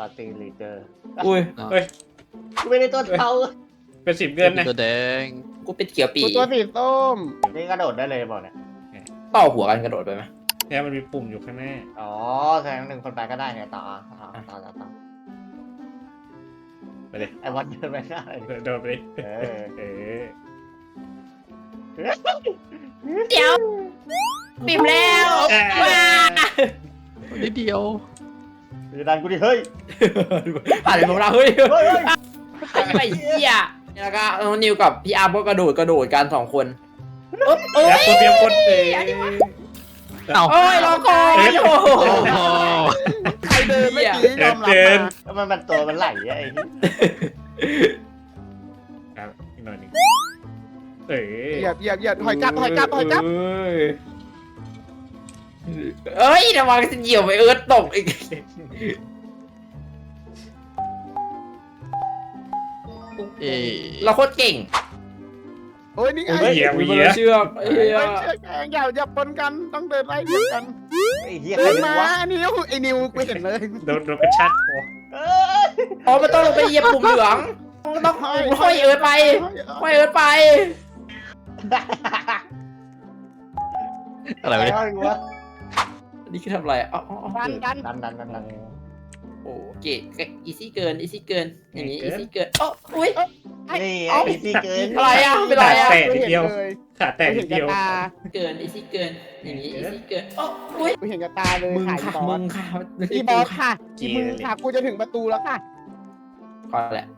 าร์ตี้ลีดเดอร์อุ้ยเฮ้ยกูไม่ได้ตัวเทาเป็น10 เดือนนะตัวแดงกูเป็นเขียวปีกูตัวสีส้มนี่กระโดดได้เลยบอกเนี่ยต่อหัวกันกระโดดไปไหมเนี่ยมันมีปุ่มอยู่ข้างหน้าอ๋อแสดงหนึ่งคนไปก็ได้เนี่ยต่อไปเลยไอ้วัดเดินไปหน้าเลยโดดไปดิเออเออเดี๋ยวปิ่มแล้วว้านิดเดียวอย่าดันกูดิเฮ้ยผ่านไปของเราเฮ้ยเฮ้ยไอ้เหี้ยแล้วก็นิวกับพี่อาร์มก็กระโดดกัน2 คนเอ้อย ยากกดเตรียมกดเองเอ้าเอ้ยรอก่อนโอ้โหโอ้ใครเดินเมื่อกี้ยอมรับมามันตัวมันไหลอะไอ้นี่ครับอีกหน่อยหนึงเออเหยียบถอยกลับเอ้ยระวังจะเหยียบไปเอิร์ธตกอีกเอ๊ะเราโคตรเก่งโอ้ยนี่ไงเหยียบมีเหยียบเชือกเฮ้ยเชือกแองอย่าปนกันต้องเดินไล่เดียวกันไอ้เหี้ยใครเดินเป็นมาวะไอ้นิวกูเห็นเลยโดนกระชากคอเอ้ยอ๋อมันต้องลงไปเหยียบปุ่มเหลืองต้องห้อยเอิร์ธไปห้อยเอิร์ธไปอะไรวะเนี่ยวะนี่คือทำอะไรอ๋อดันดันโอ้เก๋อีซี่เกินอย่างนี้อีซี่เกินอ๋ออุ้ยนี่เอ้าไอ้ที่เกินอะไรอ่ะเป็นไรอ่ะแต่กูนิดเห็นเดียวเลยขาแตกกูนิเห็ดนเดีกับยวตาเกินอีซี่เกินอย่างนี้อีซี่เกินอ๋ออุ้ยกูเห็นกับตาเลยมึงถ่ายค่ะบอมึสงค่ะอีบอสค่ะอีมึงค่ะกูจะถึงประตูแล้วค่ะพอแหละ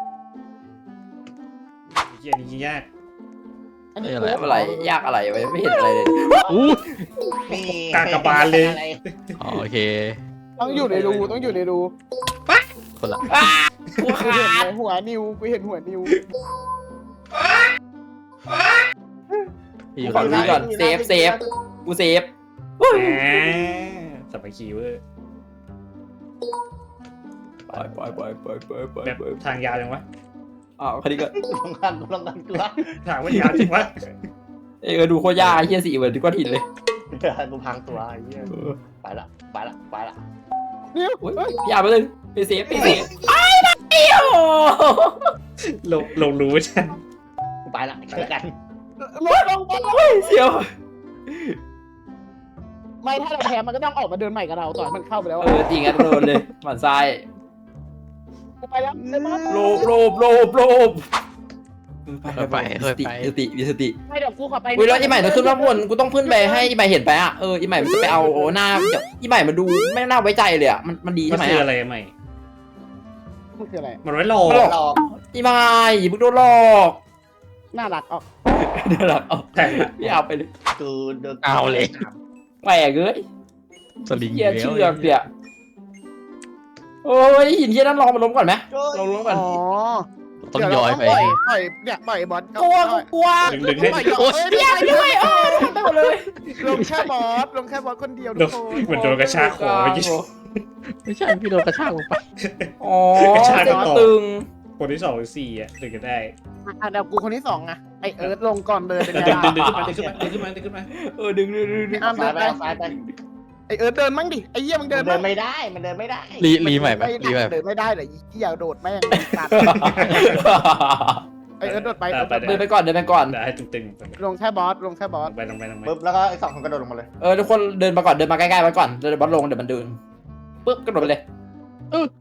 เฮียนี่ยากอันนี้เอ้ยอะไรอะไรยากอะไรวะไม่เห็นอะไรเลยอู้นี่กากบาลเลยอ๋อโอเคต้องอยู่ในรูคนละกูกูขาเห็นดหัวนิวกูเห็นหัวนิวพี่อยู่ขอข้างดูในก่อนเซฟกูเซฟแหมสมัยคีเวอร์ไปแบบทางยาวจังวะอ้าวคันนี้ก็ลองกันตัวทางมันยาวจริงวะดูโคตรยากเฮียสีเหมือนที่ก้อนหินเลยกูพังตัวไอ้เหี้ยไปละนิวอุ้ยพี่อาร์ไปเลยไปเซฟไอ้เดียวลงรู้ฉันกูไปละเจอกันลงบอลเสียวไม่ถ้าเราแพ้มันก็ต้องออกมาเดินใหม่กับเราต่อมันเข้าไปแล้วจริงงั้นโดนเลยหมันทรายกูไปแล้วเลยบอสโลบมีสติไม่เดี๋ยวกูขอไปอุ้ยแล้วอีใหม่ต้องขึ้นมาบนกูต้องขึ้นไปให้อีใหม่เห็นไปอ่ะอีใหม่มันจะไปเอาหน้าเดี๋ยวอีใหม่มาดูไม่น่าไว้ใจเลยอ่ะมันดีมัใช่นไหมคืออะไรใหม่มันคืออะไรมันไว้รอหลอกอีใหม่มึงโดนหลอกน่ารักออกเดี๋ยวหลังเอาแต่พี่เอาไปเลยกูเดินเอาเลยแหวกเลยสลิงเฮียเชือกเดี๋ยวโอ้ยหินเฮียนั่นลองมาล้มก่อนไหมลองล้มก่อนอ๋อต้องย้อยไปปล่อยบอสกลัวดึงให้ปล่อยพี่อาร์ด้วยไปหมดเลยลงแค่บอสคนเดียวทุกคนเหมือนโดนกระชากคอเมื่อกี้ไม่ใช่พี่โดนกระชากลงไปอ๋อเสียงตึงคนที่2 หรือ 4อ่ะถึงจะได้เดี๋ยวกูคนที่2ไงไอเอิร์ธลงก่อนเลยเป็นดึไงงล่ะขึ้นมาดึงขึ้นมาดึงอ้ามซ้าเดิยนไปไปซ้ายไปไอเอิร์ธเดินมั่งดิไอเยี่ยมึงเดิเดินนไม่ได้มันเดินไม่ได้รีใหม่ไหมรีใหม่เดินไม่ได้เลยอย่าโดดแม่งตัดไอเอิร์ธโดดไปเดินไปก่อนได้ให้ตึงๆลงแค่บอสลงไปปึ๊บแล้วก็ไอ้2 คนกระโดดลงมาเลยทุกคนเดินมาก่อนเดินมาใกล้ๆไว้ก่อนเดี๋ยวบอสลงเดี๋ยวมันเดินปึ๊บกระโดดไปเลยเออ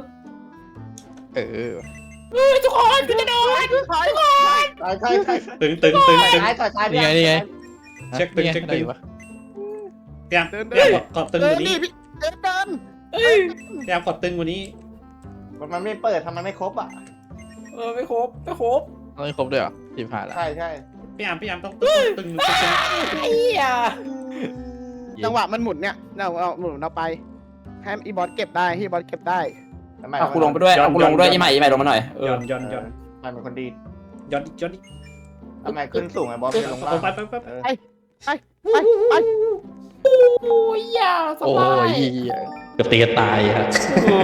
ทุกคนกูจะโดนใช่ตึงซ้ายนี่ไงเช็คตึงได้ปะพยายามขอบตึงเอก อว่านี่นี้พี่เอิร์ธเดินพยายามขอบตึงกว่านี้มันไม่เปิดทำไมไม่ครบอ่ะไม่ครบต้องให้ครบด้วยเหรอทีมผ่านละใช่พยายามต้องตึงไอ้เหี้ยจังหวะมันหมุนเนี่ยเราหมุนเราไปให้อีบอสเก็บได้ให้บอสเก็บได้เอากูลงไปด้วยอีใหม่ลงมาหน่อยย้อนมันเป็นคนดีย้อนทำไมขึ้นสูงไอ้บอสไปลงล่างไปไปโอ้ยยาสโอ้บายยเกือบตีกันตายฮะ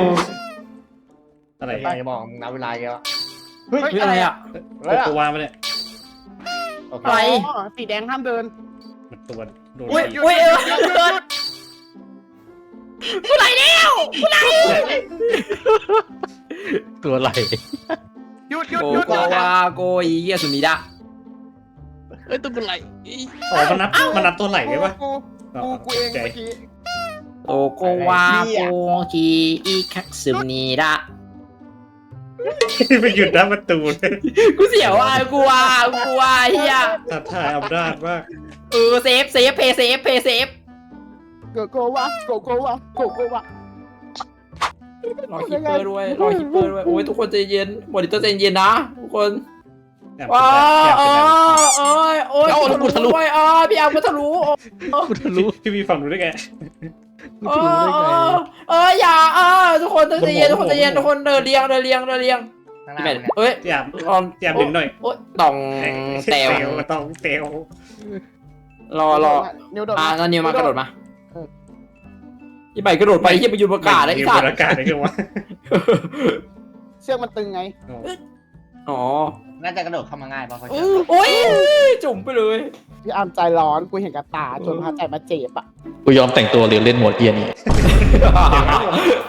อะไรไปบอกนับเวลาเยอะเฮ้ยอะไรอ่ะตัววางมาเนี่ยโอเคไปสีแดงห้ามเดินมันตัวโดนอุ้ยกูไหลแล้วตัวไหลหยุดหยุดโกหยุดโกวาโกอีเกียสุมิดะเอ้ยตัวไหลอ๋อมันนับตัวไหลได้ปะกูเองเมื่อกี้โกโกวาโกกีอีคักสุมิดะไปหยุดหน้าประตูเลยกูเสียวอ่ะกูว่าเฮียท้าทายอำนาจมากเซฟเพย์เซฟโกโกวะโกโกวะโกโกวะรอคิปเปอร์ด้วยโอ้ยทุกคนใจเย็นมอนิเตอร์ใจเย็นนะทุกคนแอบว้าแอบโอ้ยทะลุด้วยพี่อาร์มก็ทะลุกูทะลุพี่มีฝั่งนู้นได้ไงกูทะลุได้ไงอย่าทุกคนใจเย็นทุกคนเดินเรียงข้างหพี่น้าแมนเนี่ยเอ้ยพี่แอมดึงหน่อยโอ้ยต่องแตวต้องเตวรอนิวโดดนั่นนิวมากระโดดมาพี่ใบกระโดดไปที่ไปยืนประกาศได้ยือีนสับตนว์อากาศได้คือวะเชือกมันตึงไงอ๋อน่าจะกระโดดเข้ามาง่ายป่ะเพราะโอ้ยจุ่มไปเลยพี่อาร์มใจร้อนกูเห็นกับตาจนพาใจมาเจ็บอ่ะกูยอมแต่งตัวเรียนเล่นโหมดเกียร์นี้